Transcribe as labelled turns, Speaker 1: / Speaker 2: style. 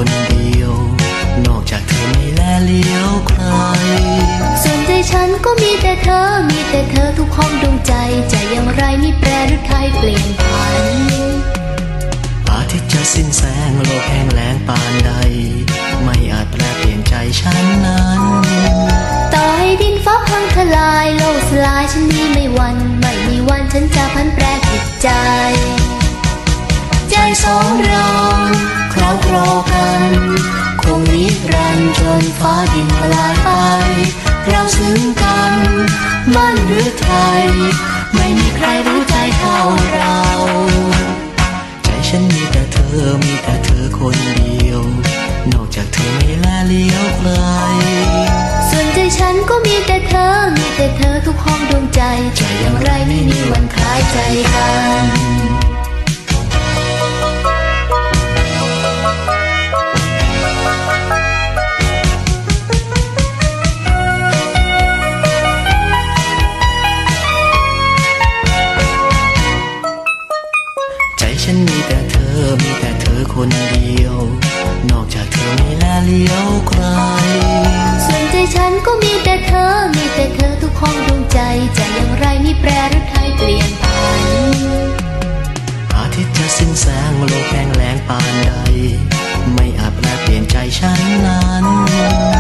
Speaker 1: คนเดียวนอกจากเธอไม่แลเลี้ยวใคร
Speaker 2: ส่วนใจฉันก็มีแต่เธอมีแต่เธอทุกห้องดวงใจจะอย่างไรไม่แปรหรือใครเปลี่ยนผัน
Speaker 1: อาทิตย์จะสิ้นแสงโลกแห้งแล้งปานใดไม่อาจแปลเปลี่ยนใจฉันนั้น
Speaker 2: ต่อให้ดินฟ้าพังทลายโลกสลายฉันนี้ไม่หวั่นไม่มีวันฉันจะพันแปรจิตใจ
Speaker 1: ใจสองเราคล้องคลอกันคงนิรันดร์จนฟ้าดินละลายไปเราซึ้งกันมั่นหรือไทยไม่มีใครรู้ใจเท่าเราใจฉันมีแต่เธอมีแต่เธอคนเดียวนอกจากเธอไม่แลเลี้ยวใคร
Speaker 2: ส่วนใจฉันก็มีแต่เธอมีแต่เธอทุกห้องดวงใจจะอย่างไรไม่มีวันคล้ายใจกัน
Speaker 1: ฉันมีแต่เธอมีแต่เธอคนเดียวนอกจากเธอไม่แลเลี้ยวใคร
Speaker 2: ส่วนใจฉันก็มีแต่เธอมีแต่เธอทุกห้องดวงใจจะอย่างไรไม่แปรหรือใครเปลี่ยนผัน
Speaker 1: อาทิตย์จะสิ้นแสงโลกแห้งแล้งปานใดไม่อาจแปลเปลี่ยนใจฉันนั้น